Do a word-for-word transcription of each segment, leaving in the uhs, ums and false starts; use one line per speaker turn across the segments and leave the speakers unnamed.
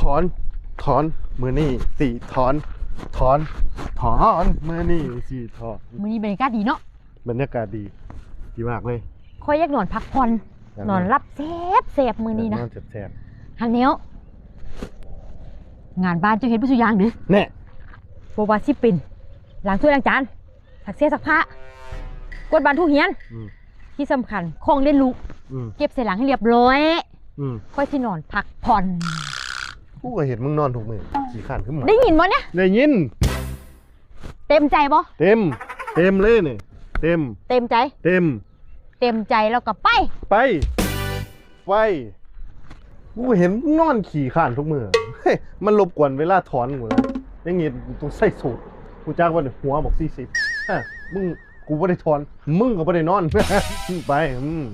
อนถอนมือนี่สี่ถอนถอนถอนมือนี่สี่ถอน
มื้อนี้บรรยากาศดีเนาะ
บรรยากาศดีดีมากเลย
ค่อยอยากนอนพักผ่อนนอนรับแซ่บแซ่บมื้อนี้นะ
นอนแซ่บ
หันแนวงานบ้านเจ้าเฮ็ดบ่ซุอย่างเด้อ
แน่
บ่ว่าสิเป็นล้างถ้วยล้างจานซักเสื้อซักผ้ากวาดบ้านถูเฮียนที่สำคัญของเล่นลูกเก็บใส่หลังให้เรียบร้อยค่อยสินอนพักผ่อน
กูก็เห็นมึงนอนทุกมื้อขี้ข้านขึ้นมา
ได้ยินบ่เนี่ย
ได้ยิน
เต็มใจบ่
เต็มเต็มเลยนี่เต็ม
เต็มใจ
เต็ม
เต็มใจแล้วก็ไป
ไปไปกูเห็นนอนขี่ข้านทุกมื้อเฮ้ยมันรบกวนเวลาถอนกูแล้วอย่างงี้ต้องใส่สูทกูจ้างว่าหัวบอกสี่สิบฮะมึงกูบ่ได้ถอนมึงก็บ่ได้นอนไปอืม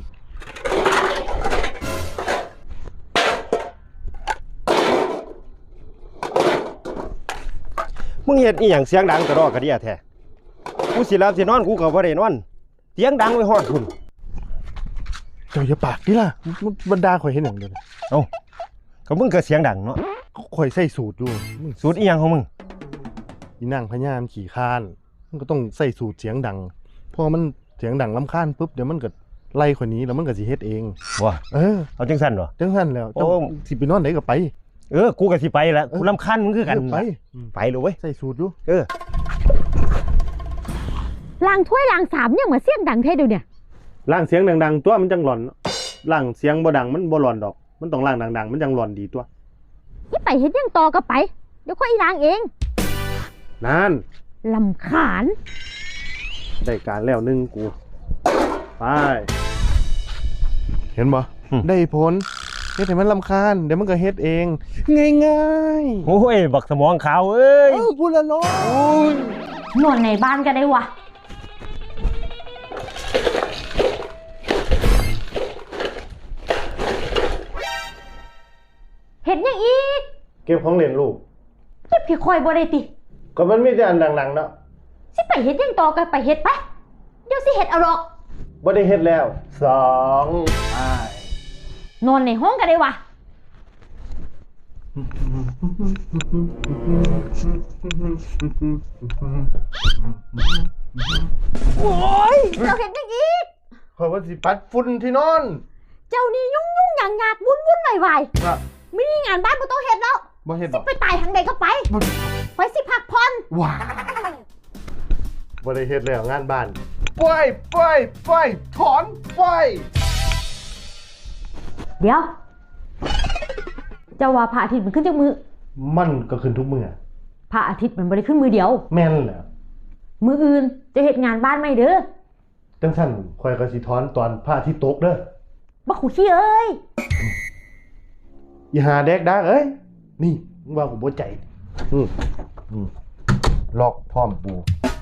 มึงเฮ็ดอีหยังเสียงดังกระรอกกระเดียแท้กูสิหลับสินอนกูก็บ่ได้นอนเสียงดังไว้ฮอดพุ่น
เจ้าอย่าปากดิล่ะบรรดาข่อยเห็นหยังเด้อ
เอ้าก็มึงก็เสียงดังเนาะ
ข่อยใส่สูทอยู่
สูทอีหยังของมึง
อีนางพญามขี่คานมันก็ต้องใส่สูทเสียงดังพอมันเสียงดังรำคาญปุ๊บเดี๋ยวมันก็ไล่คนนี้แล้วมันก็สิเฮ็ดเอง
ว่ะ
เออ
เอาจังซั่นบ่
จังซั่นแล้วเจ้าสิไปนอนไหนก็ไป
เออกูก็สิไปแหละกูรำคาญมึงคือกัน
ไป
ไปเลยเว้ย
ใส่สูทอยู่
เออ
ล้างถ้วยล้างสามยังมาเสียงดังแท้เดี๋ยวเนี่ย
ล้างเสียงดังๆตัวมันจังหลอนล้างเสียงบ่ดังมันบ่หลอนดอกมันต้องล้างดังๆมันจังหลอนดีตัว
ที่ไปเฮ็ดยังต่อก็ไปเดี๋ยวค่อยล้างเอง
นั่น
ลำคาญ
ได้การแล้วนึงกูไปเห็นบ่ได้ผลเฮ็ดให้มันรำคาญเดี๋ยวมันก็เฮ็ดเองง่าย
ๆโอ้ยบักสมองขาวเอ้ย
เออพูดละเนาะโอ้ย
นอนในบ้านก็ได้วะเฮ็ดยังอีก
เก็บของเล่นลูก
เก็บพี่คอยบ่ได้ติ
ก็มันมีแต่อันดังๆเนาะ
สิไปเฮ็ดยังต่อก็ไปเฮ็ดไปเดี๋ยวสิเฮ็ดเอาดอก
บ่ได้เฮ็ดแล้วสองอ้าย
นอนในห้องก็ได้วะโอ้ยเจ้าเห็นยังอีก
ขอยว่าสิปัดฝุ่นที่นอน
เจ้านี่ยุ่งยุ่งหยางหยาดวุ่นวุ่นวายวายไม่มีงานบ้านบ่ต้องเฮ็ดแล้ว
บ่เฮ็ด
สิไปตายทางใดก็ไปไปสิพักผ่อน
ว้าบ่ได้เฮ็ดแล้วงานบ้านปล่อยปล่อยปล่อยถอนปล่อย
เดี๋ยวเจ้าว่าพระอาทิตย์มันขึ้นจากมือ
มันก็ขึ้นทุกมื้อ
พระอาทิตย์มันบ่ได้ขึ้นมือเดียว
แม่นแหละ
มืออื่นจะเฮ็ดงานบ้านไหมเด้อ
จังซั่นข่อยก็สิถอนตอนพระอาทิตย์ตกเด้อ
บักขู่ขี้เอ้ย
อีหาแดกดักเอ้ยนี่มึงว่ากูบ่ใจอืมอืมลอกพร้อมปู